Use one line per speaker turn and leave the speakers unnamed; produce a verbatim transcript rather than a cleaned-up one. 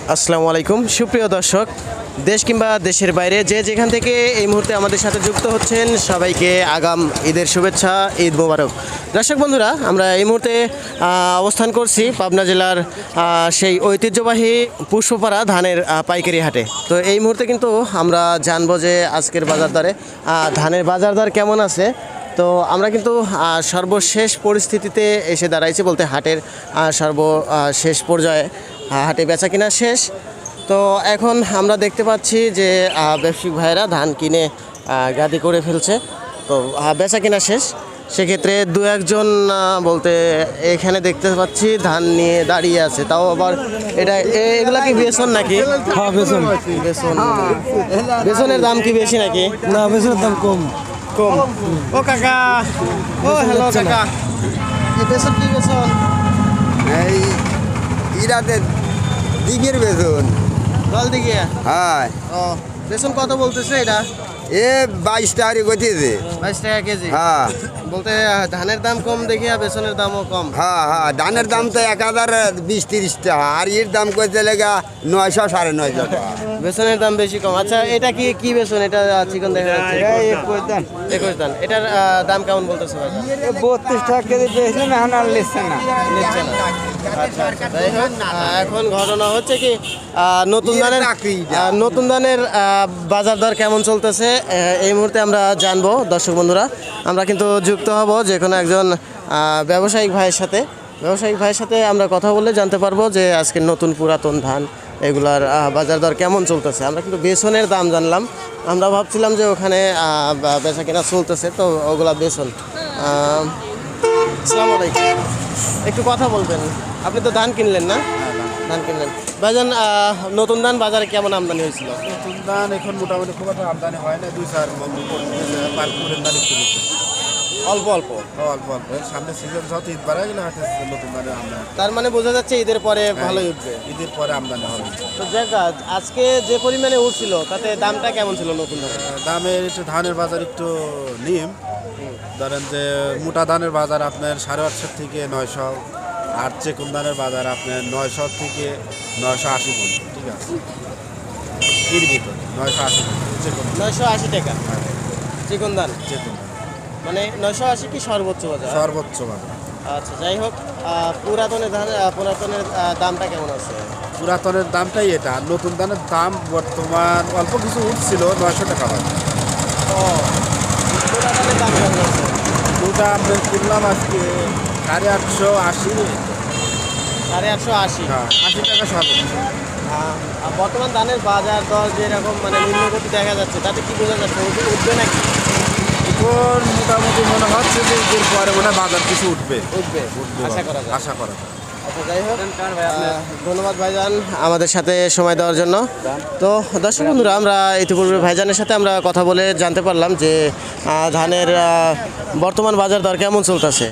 আসসালামু আলাইকুম সুপ্রিয় দর্শক, দেশ কিংবা দেশের বাইরে যে যেখান থেকে এই মুহূর্তে আমাদের সাথে যুক্ত হচ্ছেন সবাইকে আগাম ঈদের শুভেচ্ছা, ঈদ মোবারক। দর্শক বন্ধুরা, আমরা এই মুহূর্তে আহ, অবস্থান করছি পাবনা জেলার আহ, সেই ঐতিহ্যবাহী পুষ্পপাড়া ধানের আহ, পাইকারি হাটে। তো এই মুহূর্তে কিন্তু আমরা জানবো যে আজকের বাজার দরে আহ, ধানের বাজার দর কেমন আছে। তো আমরা কিন্তু আহ, সর্বশেষ পরিস্থিতিতে এসে দাঁড়াইছি, বলতে হাটের আহ, সর্বশেষ পর্যায়ে আহ, হাটে বেচা কিনা শেষ। তো এখন আমরা দেখতে পাচ্ছি যে আহ, ব্যবসায়িক ভাইরা ধান কিনে আহ, গাদি করে ফেলছে। তো আহ, বেচা কিনা শেষ, সেক্ষেত্রে দু একজন আহ, বলতে এখানে দেখতে পাচ্ছি ধান নিয়ে দাঁড়িয়ে আছে। তাও আবার এটা এ- এগুলা কি বেসন নাকি?
হ্যাঁ বেসন
বেসন বেসনের দাম কি বেশি নাকি?
না বেসনের দাম কম।
কম। ও কাকা, ও হ্যালো কাকা, এই বেসন কি বেসন?
এই ইরাতে দিঘির বেতন।
জল দিকে।
হ্যাঁ,
ও বেসন কত বলতেছে এটা?
এ বাইশ টাকারি গতিছে।
বাইশ টাকা কেজি।
হ্যাঁ
বলতে আহ, ধানের দাম কম দেখি আর বেসনের দামও কম।
হ্যাঁ হ্যাঁ, ধানের দাম তো এক হাজার বিশ তিরিশ টাকা, আর এর দাম করতে লেগা নয়শো সাড়ে নয়শো টাকা।
বেসনের দাম বেশি কম। আচ্ছা, এটা কি কি বেসন? এটা চিকন দেখা যাচ্ছে। একুশ দান। এটার আহ, দাম কেমন বলতেছে বাজার?
বত্রিশ টাকা কেজি পেয়েছিলাম, এখন আর নিচ্ছে না।
নিচ্ছে না। আচ্ছা, আচ্ছা। যাই হোক, আহ, এখন ঘটনা হচ্ছে কি আহ, নতুন
ইয়ের
ধানের
চাকরি।
আহ, নতুন ধানের আহ, বাজার দর কেমন চলতেছে আহ, এই মুহূর্তে আমরা জানবো। দর্শক বন্ধুরা, আমরা কিন্তু যুক্ত হব যে কোনো একজন আহ, ব্যবসায়িক ভাইয়ের সাথে। ব্যবসায়িক ভাইয়ের সাথে আমরা কথা বললে জানতে পারবো যে আজকে নতুন পুরাতন ধান এগুলার আহ, বাজার দর কেমন চলতেছে। আমরা কিন্তু বেসনের দাম জানলাম, আমরা ভাবছিলাম যে ওখানে আহ, বা- বেচা কেনা চলতেছে, তো ওগুলা বেসন। আহ, আসসালামু আলাইকুম, একটু কথা বলবেন। আপনি তো ধান কিনলেন না? ধান কিনলেন। ভাইজান, আহ, নতুন ধান বাজারে কেমন আমদানি হয়েছিল?
নতুন ধান এখন মোটামুটি খুব একটা আমদানি হয় না, দুই চার মন পারপুরের ধান একটু বেশি।
অল্প অল্প।
অল্প অল্প এর সামনে সিজন যত ঈদ বাড়া গেলে হাতে নতুন ধানের আমদানি,
তার মানে বোঝা যাচ্ছে ঈদের পরে ভালোই উঠবে।
ঈদের পরে আমদানি হবে।
তো যাক, আজকে যে পরিমাণে উঠছিল তাতে দামটা কেমন ছিল নতুন ধানের?
আহ, দামের একটু ধানের বাজার একটু নিম, ধরেন যে মোটা ধানের বাজার আপনার সাড়ে আটশো থেকে নয়শো, আর চেকুন ধানের বাজার আপনার নয়শো থেকে নয়শো আশি পর্যন্ত। ঠিক আছে, এর ভিতর নয়শো আশি পর্যন্ত চেকুন
নয়শো আশি টাকা চিকন ধান।
চেকুন ধান
মানে নয়শো আশি কি সর্বোচ্চ বাজার?
সর্বোচ্চ বাজার।
আচ্ছা, যাই হোক, আহ, পুরাতনের ধান আহ, পুরাতনের আহ, দামটা কেমন আছে?
পুরাতনের দামটাই এটা, আর নতুন ধানের দাম বর্তমান অল্প কিছু উঠছিল নয়শো টাকা বাজার।
ও, পুরাতনের দাম কেমন আছে?
দুটা আমরা কিনলাম আজকে সাড়ে আটশো আশি।
সাড়ে আটশো আশি।
হ্যাঁ, আশি টাকা সর্বোচ্চ।
আহ, আর বর্তমান ধানের বাজার দর যেরকম মানে নিম্নগতি দেখা যাচ্ছে, তাতে কি বোঝা যাচ্ছে উঠবে উঠবে নাকি?
এখন মোটামুটি মনে হচ্ছে যে ঈদের পরে মনে হয় বাজার কিছু উঠবে
উঠবে
উঠবে
আশা করা যায়।
আশা করা যায়।
আচ্ছা, যাই হোক, আহ, ধন্যবাদ ভাইজান আমাদের সাথে সময় দেওয়ার জন্য। তো দর্শক বন্ধুরা, আমরা ইতিপূর্বে ভাইজানের সাথে আমরা কথা বলে জানতে পারলাম যে আহ, ধানের আহ, বর্তমান বাজার দর কেমন চলতেছে।